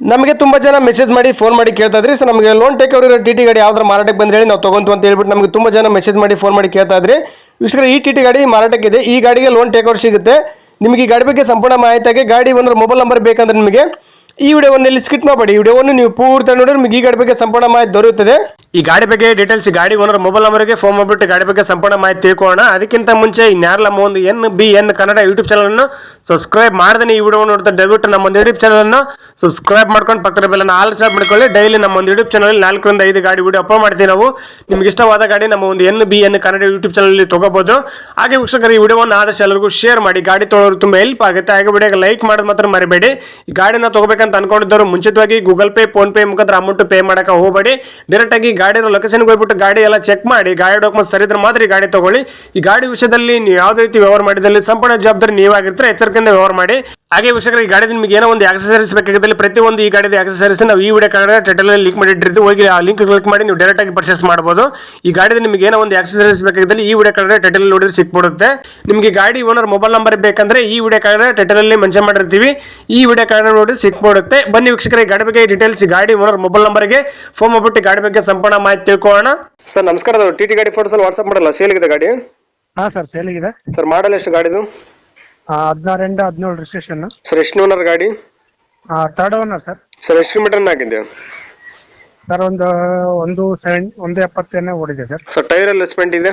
ನಮಗೆ ತುಂಬಾ ಜನ ಮೆಸೇಜ್ ಮಾಡಿ ಫೋನ್ ಮಾಡಿ ಕೇಳ್ತಾ ಇದ್ರಿ ಸರ್ ನಮಗೆ ಲೋನ್ ಟೇಕ್ ಓವರ್ ಟಿಟಿ ಗಾಡಿ ಯಾವ್ದಾರ ಮಾರಾಟಕ್ಕೆ ಬಂದ್ರೆ ಹೇಳಿ ನಾವು ತಗೊಂತು ಅಂತ ಹೇಳ್ಬಿಟ್ಟು ನಮಗೆ ತುಂಬಾ ಜನ ಮೆಸೇಜ್ ಮಾಡಿ ಫೋನ್ ಮಾಡಿ ಕೇಳ್ತಾ ಇದ್ರಿ ವೀಕ್ಷಕರೇ ಈ ಟಿಟಿ ಗಾಡಿ ಮಾರಾಟಕ್ಕಿದೆ ಈ ಗಾಡಿಗೆ ಲೋನ್ ಟೇಕ್ ಓವರ್ ಸಿಗುತ್ತೆ ನಿಮಗೆ ಈ ಗಾಡಿ ಬಗ್ಗೆ ಸಂಪೂರ್ಣ ಮಾಹಿತಿಗೆ ಗಾಡಿ ಓನರ್ ಮೊಬೈಲ್ ನಂಬರ್ ಬೇಕಂದ್ರೆ ನಿಮಗೆ ಈ ವಿಡಿಯೋವನ್ನು ಇಲ್ಲಿ ಸ್ಕಿಪ್ ಮಾಡಬೇಡಿ ಈ ವಿಡಿಯೋವನ್ನು ನೀವು ಪೂರ್ತಿ ನೋಡಿದ್ರೆ ನಿಮಗೆ ಈ ಗಾಡಿ ಬಗ್ಗೆ ಸಂಪೂರ್ಣ ಮಾಹಿತಿ ದೊರೆಯುತ್ತದೆ ಈ ಗಾಡಿ ಬಗ್ಗೆ ಡೀಟೇಲ್ಸ್ ಗಾಡಿ ಓನರ್ ಮೊಬೈಲ್ ನಂಬರ್ಗೆ ಫೋನ್ ಮಾಡಿಬಿಟ್ಟು ಗಾಡಿ ಬಗ್ಗೆ ಸಂಪೂರ್ಣ ಮಾಹಿತಿ ತಿಳ್ಕೊಳ್ಳೋಣ ಅದಕ್ಕಿಂತ ಮುಂಚೆ ಇನ್ಯಾರಲ್ಲ ಒಂದು NBN ಕನ್ನಡ ಯೂಟ್ಯೂಬ್ ಚಾನಲ್ ಅನ್ನು ಸಬ್ಸ್ಕ್ರೈಬ್ ಮಾಡದೇ ಈ ವಿಡಿಯೋ ನೋಡ್ತಾ ದಯವಿಟ್ಟು ನಮ್ಮ ಒಂದು ಯೂಟ್ಯೂಬ್ ಚಾನಲ್ ಅನ್ನು ಸಬ್ಸ್ಕ್ರೈಬ್ ಮಾಡ್ಕೊಂಡು ಪಕ್ಕದ ಬೆಲ್ಲನ್ನು ಆಲ್ ಸಬ್ ಮಾಡ್ಕೊಳ್ಳಿ ಡೈಲಿ ನಮ್ಮ ಒಂದು ಯೂಟ್ಯೂಬ್ ಚಾನಲ್ 4 ರಿಂದ 5 ಗಾಡಿ ವಿಡಿಯೋ ಅಪ್ಲೋಡ್ ಮಾಡ್ತೀವಿ ನಾವು ನಿಮಗೆ ಇಷ್ಟವಾದ ಗಾಡಿ ನಮ್ಮ ಒಂದು NBN ಕನ್ನಡ ಯೂಟ್ಯೂಬ್ ಚಾನಲ್ ಅಲ್ಲಿ ತಗೋಬಹುದು ಹಾಗೆ ವೀಕ್ಷಕರು ಈ ವಿಡಿಯೋವನ್ನು ಆದಷ್ಟು ಎಲ್ಲರಿಗೂ ಶೇರ್ ಮಾಡಿ ಗಾಡಿ ತೊಗೊಳ್ಳೋರು ತುಂಬಾ ಹೆಲ್ಪ್ ಆಗುತ್ತೆ ಹಾಗೆ ವಿಡಿಯೋಗೆ ಲೈಕ್ ಮಾಡೋದು ಮಾತ್ರ ಮರಿಬೇಡಿ ಈ ಗಾಡಿನ ತಗೋಬೇಕಂತ ಅನ್ಕೊಂಡಿದ್ದವರು ಮುಂಚಿತವಾಗಿ ಗೂಗಲ್ ಪೇ ಫೋನ್ ಪೇ ಮುಖಾಂತರ ಅಮೌಂಟ್ ಪೇ ಮಾಡಕ್ಕೆ ಹೋಗಬೇಡಿ ಡೈರೆಕ್ಟ್ ಆಗಿ ಗಾಡಿ ಲೊಕೇಶನ್ಗೆ ಹೋಗ್ಬಿಟ್ಟು ಗಾಡಿ ಎಲ್ಲ ಚೆಕ್ ಮಾಡಿ ಗಾಡಿ ಡಾಕ್ಯುಮೆಂಟ್ಸ್ ಸರಿ ಇದ್ರೆ ಮಾತ್ರ ಈ ಗಾಡಿ ತಗೊಳ್ಳಿ ಈ ಗಾಡಿ ವಿಷಯದಲ್ಲಿ ನೀವು ಯಾವುದೇ ರೀತಿ ವ್ಯವಹಾರ ಮಾಡಿದಲ್ಲಿ ಸಂಪೂರ್ಣ ಜವಾಬ್ದಾರಿ ನೀವಾಗಿರ್ತಾರೆ ಎಚ್ಚರಿಕೆಯಿಂದ ವ್ಯವಹಾರ ಮಾಡಿ ಹಾಗೆ ವೀಕ್ಷಕರು ಈ ಗಾಡಿ ನಿಮಗೆ ಏನೋ ಒಂದು ಆಕ್ಸೆಸರೀಸ್ ಬೇಕಾಗಿದ್ದಲ್ಲಿ ಪ್ರತಿಯೊಂದು ಈ ಗಾಡಿದ ಆಕ್ಸೆಸರೀಸ್ ನಾವು ಈ ವಿಡಿಯೋ ಕಾರ್ಡ್ ಟೈಟಲ್ ಲಿಂಕ್ ಮಾಡಿಟ್ಟಿರ್ತೀವಿ ಹೋಗಿ ಆ ಲಿಂಕ್ ಕ್ಲಿಕ್ ಮಾಡಿ ನೀವು ಡೈರೆಕ್ಟ್ ಆಗಿ ಪರ್ಚೇಸ್ ಮಾಡಬಹುದು ಈ ಗಾಡಿದ ನಿಮಗೆ ಏನೋ ಒಂದು ಆಕ್ಸೆಸರೀಸ್ ಬೇಕಾಗಿದ್ದಲ್ಲಿ ಈ ವಿಡಿಯೋ ಕಾರ್ಡ್ ಟೈಟಲ್ ನೋಡಿದ್ರೆ ಸಿಕ್ಬಿಡುತ್ತೆ ನಿಮಗೆ ಗಾಡಿ ಓನರ್ ಮೊಬೈಲ್ ನಂಬರ್ ಬೇಕಂದ್ರೆ ಈ ವಿಡಿಯೋ ಕಾರ್ಡ್ ಟೈಟಲ್ ಅಲ್ಲಿ ಮೆನ್ಷನ್ ಮಾಡಿರ್ತೀವಿ ಈ ವಿಡಿಯೋ ಕಾರ್ಡ್ ನೋಡಿ ಸಿಕ್ಬಿಡುತ್ತೆ ಬನ್ನಿ ವೀಕ್ಷಕರ ಈ ಗಾಡಿ ಬಗ್ಗೆ ಡೀಟೇಲ್ಸ್ ಗಾಡಿ ಓನರ್ ಮೊಬೈಲ್ ನಂಬರ್ಗೆ ಫೋನ್ ಮಾಡ್ಬಿಟ್ಟು ಗಾಡಿ ಬಗ್ಗೆ ಸಂಪೂರ್ಣ ಮಾಹಿತಿ ತಿಳ್ಕೊಳ್ಳೋಣ ಸರ್ ನಮಸ್ಕಾರ ಟಿಟಿ ಗಾಡಿ ಫೋಟೋಸ್ ಅಲ್ಲಿ ವಾಟ್ಸ್ಆಪ್ ಮಾಡಲ್ಲ ಸೇಲ್ ಇದೆ ಗಾಡಿ ಹಾ ಸರ್ ಸೇಲ್ ಇದೆ ಸರ್ ಮಾಡಲ್ ಎಷ್ಟು ಗಾಡಿದು 16 ಇಂದ 17 ರಿಜಿಸ್ಟ್ರೇಷನ್ ಸರ್ ಎಷ್ಟು ಓನರ್ ಗಾಡಿ ಥರ್ಡ್ ಓನರ್ ಸರ್ ಎಷ್ಟು ಕಿಲೋಮೀಟರ್ ಆಗಿದೆ ಸರ್ ಒಂದು 70 ಓಡಿದೆ ಸರ್ ಸರ್ ಟೈರ್ ಎಲ್ಲ ಸ್ಪೆಂಟ್ ಇದೆ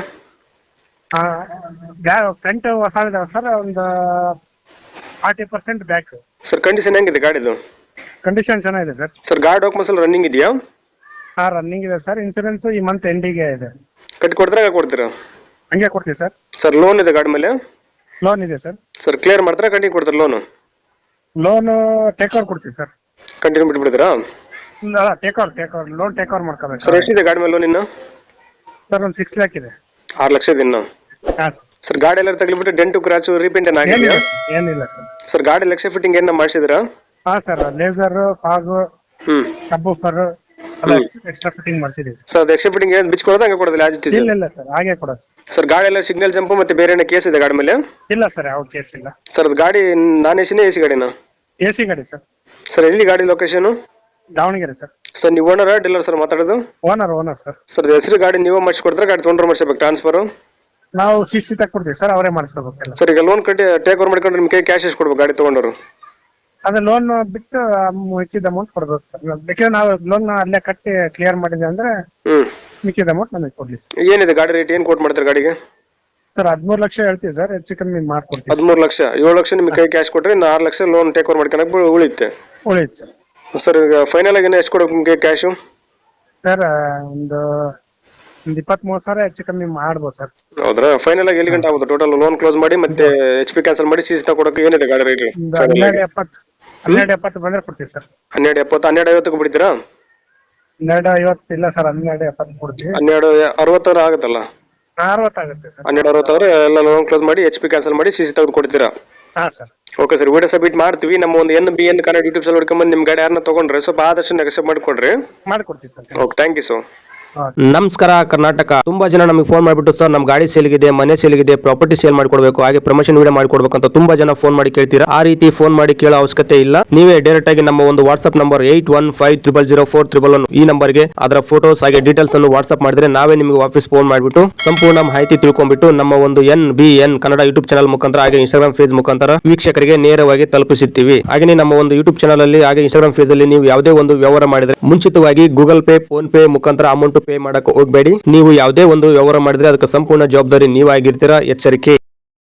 ಫ್ರಂಟ್ ಹೊಸ ಇದೆ ಸರ್ ಒಂದು 40% ಬ್ಯಾಕ್ ಸರ್ ಕಂಡೀಷನ್ ಹೆಂಗಿದೆ ಗಾಡಿದು ಕಂಡೀಷನ್ ಚೆನ್ನಾಗಿದೆ ಸರ್ ಸರ್ ಗಾಡಿ ಡಾಕ್ಯುಮೆಂಟ್ಸ್ ಎಲ್ಲ ರನ್ನಿಂಗ್ ಇದೆಯಾ ರನ್ನಿಂಗ್ ಇದೆ ಸರ್ ಇನ್ಸೂರೆನ್ಸ್ ಈ ಮಂತ್ ಎಂಡಿಗೆ ಇದೆ ಕಟ್ಟಿ ಕೊಡ್ತಾರೆ ಕೊಡ್ತೀರಾ ಹಂಗೆ ಕೊಡ್ತೀವಿ ಸರ್ ಸರ್ ಲೋನ್ ಇದೆ ಗಾಡಿ ಮೇಲೆ ಲೋನ್ ಇದೆ ಸರ್ ಸರ್ ಕ್ಲಿಯರ್ ಮಾಡ್ತಾರೆ ಕಂಟಿನ್ಯೂ ಕೊಡ್ತಾರೆ ಲೋನ್ ಟೇಕ್ ಓವರ್ ಕೊಡ್ತೀವಿ ಸರ್ ಕಂಟಿನ್ಯೂ ಬಿಟ್ಬಿಡ್ತೀರಾ take over loan take over ಮಾಡ್ಕೋಬೇಕು ಸರ್ ಎಷ್ಟಿದೆ ಗಾಡಿ ಮೇಲೆ ಲೋನ್ ಇನ್ನು ಸರ್ ಒಂದು 6 lakhs ಇದೆ 6 ಲಕ್ಷ ಇದೆ ಇನ್ನು ಹಾ ಸರ್ ಗಾಡಿ ಎಲ್ಲ ತಗ್ಲಿಬಿಟ್ಟು ಡೆಂಟು ಕ್ರಾಚು ರೀಪೇಂಟ್ ಏನಾಗಿದೆ ಏನಿಲ್ಲ ಸರ್ ಸರ್ ಗಾಡಿ ಲಕ್ಷ ಫಿಟ್ಟಿಂಗ್ ಏನ ಮಾಡಿಸಿದ್ರಾ ಹಾ sir laser fog subwoofer extra fitting ಮಾಡಿಸಿದೀವಿ ಸರ್ ಅದು ಎಕ್ಸ್ಟ್ರಾ ಫಿಟ್ಟಿಂಗ್ ಏನು ಬಿಚ್ ಕೊಡೋದು ಹಂಗೆ ಕೊಡೋದಿಲ್ಲ ಇಲ್ಲ ಸರ್ ಹಾಗೆ ಕೊಡೋದು ಸರ್ ಗಾಡಿ ಎಲ್ಲ ಸಿಗ್ನಲ್ ಜಂಪ್ ಮತ್ತೆ ಬೇರೆ ಏನೋ ಕೇಸ್ ಇದೆ ಗಾಡಿ ಮೇಲೆ ಇಲ್ಲ ಸರ್ ಯಾವ ಕೇಸ್ ಇಲ್ಲ ಸರ್ ಅದು ಗಾಡಿ ನಾನ್ ಎಸಿನೇ ಎಸಿ ಗಾಡಿನ AC ಗಾಡಿ ಸರ್ ಸರ್ ಎಲ್ಲಿ ಗಾಡಿ ಲೊಕೇಶನ್ ದಾವಣಗೆರೆ ಸರ್ ಸರ್ ನೀವು ಓನರ್ ಡೀಲರ್ ಸರ್ ಮಾತಾಡೋದು ಓನರ್ ಸರ್ ಸರ್ ಹೆಸರು ಗಾಡಿ ನೀವು ಮಾಡಿಸ್ಕೊಡ್ತಾರೆ ಗಾಡಿ ತೊಗೊಂಡ್ರೆ ಮಾಡಿಸ್ಬೇಕು ಟ್ರಾನ್ಸ್ಫರ್ ನಾವು CC ತಕ್ಕೊಡ್ತೀವಿ ಸರ್ ಅವರೇ ಮಾಡಿಸ್ಕೋಬೇಕಲ್ಲ ಸರ್ ಈಗ ಲೋನ್ ಕಟ್ಟಿ ಟೇಕ್ ಓವರ್ ಮಾಡ್ಕೊಂಡ್ರೆ ನಿಮ್ಮ ಕೈ ಕ್ಯಾಶ್ ಎಷ್ಟು ಕೊಡ್ಬೇಕು ಗಾಡಿ ತೊಗೊಂಡವರು ಅದೇ ಲೋನ್ ಬಿಟ್ಟು ಹೆಚ್ಚಿದ ಅಮೌಂಟ್ ಕೊಡ್ಬೇಕು ಸರ್ ಬೇಕಾದ್ರೆ ನಾವು ಲೋನ್ ಅಲ್ಲೇ ಕಟ್ಟಿ ಕ್ಲಿಯರ್ ಮಾಡಿದೆ ಅಂದ್ರೆ ಮಿಕ್ಕಿದ ಅಮೌಂಟ್ ನಮಗೆ ಕೊಡ್ಲಿ ಸರ್ ಏನಿದೆ ಗಾಡಿ ರೇಟ್ ಏನು ಕೋಟ್ ಮಾಡ್ತಾರೆ ಗಾಡಿಗೆ ಸರ್ 13 ಲಕ್ಷ ಹೇಳ್ತೀವಿ ಸರ್ ಹೆಚ್ಚು ಕಮ್ಮಿ ಮಾಡ್ಕೊಡ್ತೀವಿ 13 ಲಕ್ಷ 7 ಲಕ್ಷ ನಿಮಗೆ ಕೈ ಕ್ಯಾಶ್ ಕೊಟ್ರೆ 6 ಲಕ್ಷ ಲೋನ್ ಟೇಕ್ ಓವರ್ ಮಾಡ್ಕೊಳಕ್ ಉಳಿಯುತ್ತೆ ಸರ್ ಸರ್ ಈಗ ಫೈನಲ್ ಆಗಿ ಎಷ್ಟು ಕೊಡಬೇಕು ನಿಮಗೆ ಕ್ಯಾಶು ಸರ್ ಒಂದು 23,000 ಹೆಚ್ಚು ಕಮ್ಮಿ ಮಾಡ್ಬೋದು ಸರ್ ಹೌದ್ರಾ ಫೈನಲ್ ಆಗಿ ಎಲ್ಲಿ ಗಂಟೆ ಆಗುತ್ತೆ ಟೋಟಲ್ ಲೋನ್ ಕ್ಲೋಸ್ ಮಾಡಿ ಮತ್ತೆ HP ಕ್ಯಾನ್ಸಲ್ ಮಾಡಿ CC ತಗೊಳಕ್ಕೆ ಏನಿದೆ ಗಾಡಿ ರೇಟ್ 1270 ಬಂದ್ರೆ ಕೊಡ್ತೀವಿ ಸರ್ 1270 1250 ಬಿಡ್ತೀರಾ 1250 ಇಲ್ಲ ಸರ್ 1270 ಕೊಡ್ತೀವಿ 1260 ಆಗುತ್ತಲ್ಲ 60 ಆಗುತ್ತೆ ಸರ್ 1260 ಎಲ್ಲ ಲೋನ್ ಕ್ಲೋಸ್ ಮಾಡಿ HP ಕ್ಯಾನ್ಸಲ್ ಮಾಡಿ CC ತೆಗೆದು ಕೊಡ್ತೀರಾ ಹಾ sir okay sir video submit ಮಾಡ್ತೀವಿ ನಮ್ಮ ಒಂದು NBN ಕನ್ನಡ ಯೂಟ್ಯೂಬ್ ಚಾನಲ್ ಹುಡ್ಕೊಂಡ್ಬಂದು ನಿಮ್ಮ ಗಾಡಿ ಯಾರನ್ನ ತಗೊಂಡ್ರೆ ಸ್ವಲ್ಪ ಆದಷ್ಟು ನೆಗೆಸೆಪ್ಟ್ ಮಾಡಿಕೊಡ್ರಿ ಮಾಡ್ಕೊಡ್ತೀವಿ sir okay thank you sir ನಮಸ್ಕಾರ ಕರ್ನಾಟಕ ತುಂಬಾ ಜನ ನಮಗೆ ಫೋನ್ ಮಾಡಿಬಿಟ್ಟು ಸರ್ ನಮ್ಮ ಗಾಡಿ ಸೇಲ್ಗಿದೆ ಮನೆ ಸೇಲ್ಗಿದೆ ಪ್ರಾಪರ್ಟಿ ಸೇಲ್ ಮಾಡ್ಕೊಡ್ಬೇಕು ಹಾಗೆ ಪ್ರಮೋಷನ್ ವಿಡಿಯೋ ಮಾಡ್ಕೊಡ್ಬೇಕು ಅಂತ ತುಂಬಾ ಜನ ಫೋನ್ ಮಾಡಿ ಕೇಳ್ತೀರಾ ಆ ರೀತಿ ಫೋನ್ ಮಾಡಿ ಕೇಳೋ ಅವಶ್ಯಕತೆ ಇಲ್ಲ ನೀವೇ ಡೈರೆಕ್ಟ್ ಆಗಿ ನಮ್ಮ ಒಂದು ವಾಟ್ಸ್ಆಪ್ ನಂಬರ್ 81500411 ಈ ನಂಬರ್ಗೆ ಅದರ ಫೋಟೋಸ್ ಹಾಗೆ ಡೀಟೇಲ್ಸ್ ಅನ್ನು ವಾಟ್ಸ್ಆಪ್ ಮಾಡಿದ್ರೆ ನಾವೇ ನಿಮಗೆ ವಾಪಸ್ ಫೋನ್ ಮಾಡಿಬಿಟ್ಟು ಸಂಪೂರ್ಣ ಮಾಹಿತಿ ತಿಳ್ಕೊಂಡ್ಬಿಟ್ಟು ನಮ್ಮ ಒಂದು NBN ಕನ್ನಡ ಯೂಟ್ಯೂಬ್ ಚಾನಲ್ ಮುಖಾಂತರ ಹಾಗೆ ಇನ್ಸ್ಟಾಗ್ರಾಮ್ ಪೇಜ್ ಮುಖಾಂತರ ವೀಕ್ಷಕರಿಗೆ ನೇರವಾಗಿ ತಲುಪಿಸುತ್ತೀವಿ ಹಾಗೆ ನಮ್ಮ ಒಂದು ಯೂಟ್ಯೂಬ್ ಚಾನಲ್ ಅಲ್ಲಿ ಹಾಗೆ ಇನ್ಸ್ಟಾಗ್ರಾಮ್ ಪೇಜ್ ಅಲ್ಲಿ ನೀವು ಯಾವುದೇ ಒಂದು ವ್ಯವಹಾರ ಮಾಡಿದ್ರೆ ಮುಂಚಿತವಾಗಿ ಗೂಗಲ್ ಪೇ ಫೋನ್ ಪೇ ಮುಖಾಂತರ ಅಮೌಂಟ್ ಪೇ ಮಾಡಕ್ಕೆ ಹೋಗಬೇಡಿ ನೀವು ಯಾವುದೇ ಒಂದು ವ್ಯವಹಾರ ಮಾಡಿದ್ರೆ ಅದಕ್ಕೆ ಸಂಪೂರ್ಣ ಜವಾಬ್ದಾರಿ ನೀವಾಗಿರ್ತೀರಾ ಎಚ್ಚರಿಕೆ